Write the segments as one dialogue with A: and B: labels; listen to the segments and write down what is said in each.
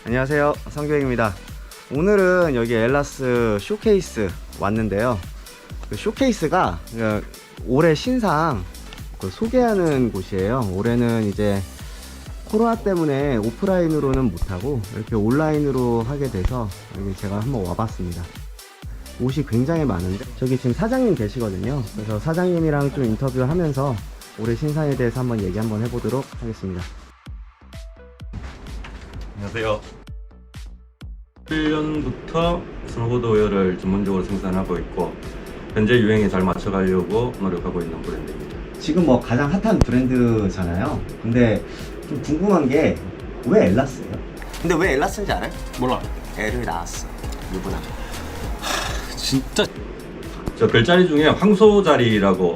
A: 안녕하세요, 성교행입니다. 오늘은 여기 엘라스 쇼케이스 왔는데요. 그 쇼케이스가 올해 신상 소개하는 곳이에요. 올해는 이제 코로나 때문에 오프라인으로는 못하고 이렇게 온라인으로 하게 돼서 여기 제가 한번 와봤습니다. 옷이 굉장히 많은데 저기 지금 사장님 계시거든요. 그래서 사장님이랑 좀 인터뷰하면서 올해 신상에 대해서 한번 얘기 한번 해보도록 하겠습니다.
B: 안녕하세요. 1년부터 스노보드 웨어를 전문적으로 생산하고 있고 현재 유행에 잘 맞춰가려고 노력하고 있는 브랜드입니다.
A: 지금 뭐 가장 핫한 브랜드잖아요. 근데 좀 궁금한 게 왜 엘라스예요? 근데 왜 엘라스인지 알아요?
C: 몰라.
A: L을 나왔어. 유부남.
C: 진짜
B: 저 별자리 중에 황소자리라고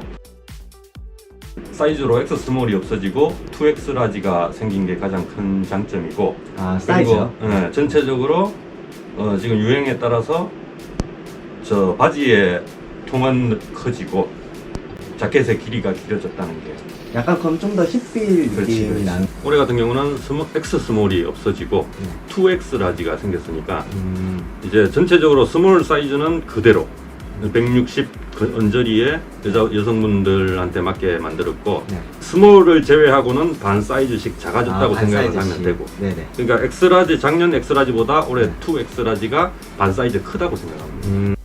B: 사이즈로 X 스몰이 없어지고 2X 라지가 생긴 게 가장 큰 장점이고,
A: 아, 사이즈요?
B: 그리고 전체적으로 지금 유행에 따라서 저 바지의 통은 커지고 자켓의 길이가 길어졌다는 게.
A: 약간 그럼 좀 더 힙빌 느낌이 나는.
B: 올해 같은 경우는 X 스몰이 없어지고 2X 라지가 생겼으니까 이제 전체적으로 스몰 사이즈는 그대로 160 언저리에 여성분들한테 맞게 만들었고,
A: 네.
B: 스몰을 제외하고는 반 사이즈씩 작아졌다고
A: 반
B: 생각을
A: 사이즈씩.
B: 하면 되고,
A: 네네.
B: 그러니까 X라지, 작년 X라지보다 올해 2X라지가 반 사이즈 크다고 생각합니다.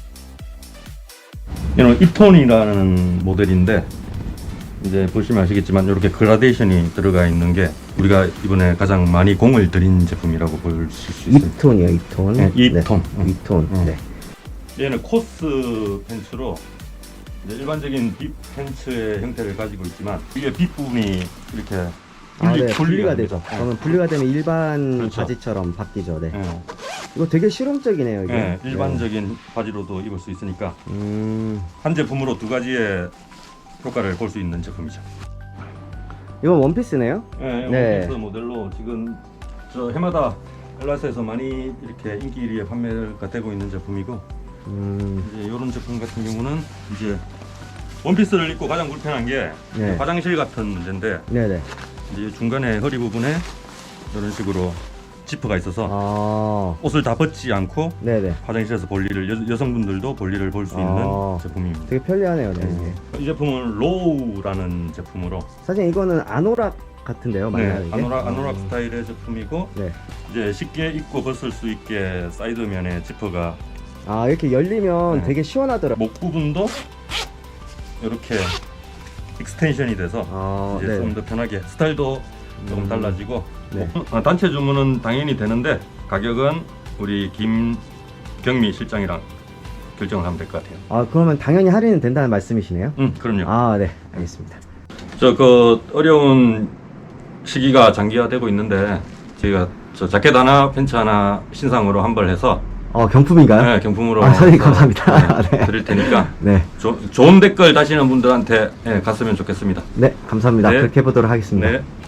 B: 이런 이톤이라는 모델인데 이제 보시면 아시겠지만 이렇게 그라데이션이 들어가 있는 게 우리가 이번에 가장 많이 공을 들인 제품이라고 볼 수 있습니다.
A: 2톤이요, 2톤.
B: 네, 2톤.
A: 네. 2톤. 네.
B: 얘는 코스 팬츠로 이제 일반적인 빕 팬츠의 형태를 가지고 있지만 이게 빕 부분이 이렇게
A: 분리가 되죠. 그러면 분리가 되면 일반
B: 그렇죠.
A: 바지처럼 바뀌죠. 네.
B: 예,
A: 이거 되게 실용적이네요, 이게.
B: 예, 일반적인 바지로도 입을 수 있으니까
A: 네.
B: 한 제품으로 두 가지의 효과를 볼 수 있는 제품이죠.
A: 이건 원피스네요?
B: 예,
A: 네.
B: 원피스 모델로 지금 저 해마다 엘라스에서 많이 이렇게 인기 1위에 판매가 되고 있는 제품이고, 이제 이런 제품 같은 경우는 이제 원피스를 입고 가장 불편한 게
A: 네.
B: 화장실 같은 문제인데,
A: 네네.
B: 이제 중간에 허리 부분에 이런 식으로 지퍼가 있어서
A: 아,
B: 옷을 다 벗지 않고
A: 네네.
B: 화장실에서 볼일을 여성분들도 볼일을 볼 수 있는
A: 아.
B: 제품입니다.
A: 되게 편리하네요, 네.
B: 이 제품은 로우라는 제품으로
A: 사실 이거는 아노락 같은데요, 맞나요?
B: 네,
A: 이게?
B: 아노락 스타일의 제품이고,
A: 네.
B: 이제 쉽게 입고 벗을 수 있게 사이드면에 지퍼가,
A: 아, 이렇게 열리면
B: 네.
A: 되게 시원하더라고요.
B: 목 부분도 이렇게 익스텐션이 돼서
A: 아,
B: 이제
A: 네.
B: 좀 더 편하게 스타일도 조금 달라지고,
A: 네.
B: 단체 주문은 당연히 되는데 가격은 우리 김경미 실장이랑 결정을 하면 될 것 같아요.
A: 아, 그러면 당연히 할인은 된다는 말씀이시네요?
B: 그럼요.
A: 아, 네. 알겠습니다.
B: 저 그 어려운 시기가 장기화되고 있는데 저희가 저 자켓 하나 팬츠 하나 신상으로 환불해서
A: 경품인가요?
B: 네, 경품으로
A: 아, 선생님
B: 해서,
A: 감사합니다.
B: 네,
A: 네.
B: 드릴 테니까
A: 네.
B: 좋은 댓글 다시는 분들한테 갔으면 좋겠습니다.
A: 네, 감사합니다.
B: 네.
A: 그렇게 해보도록 하겠습니다.
B: 네.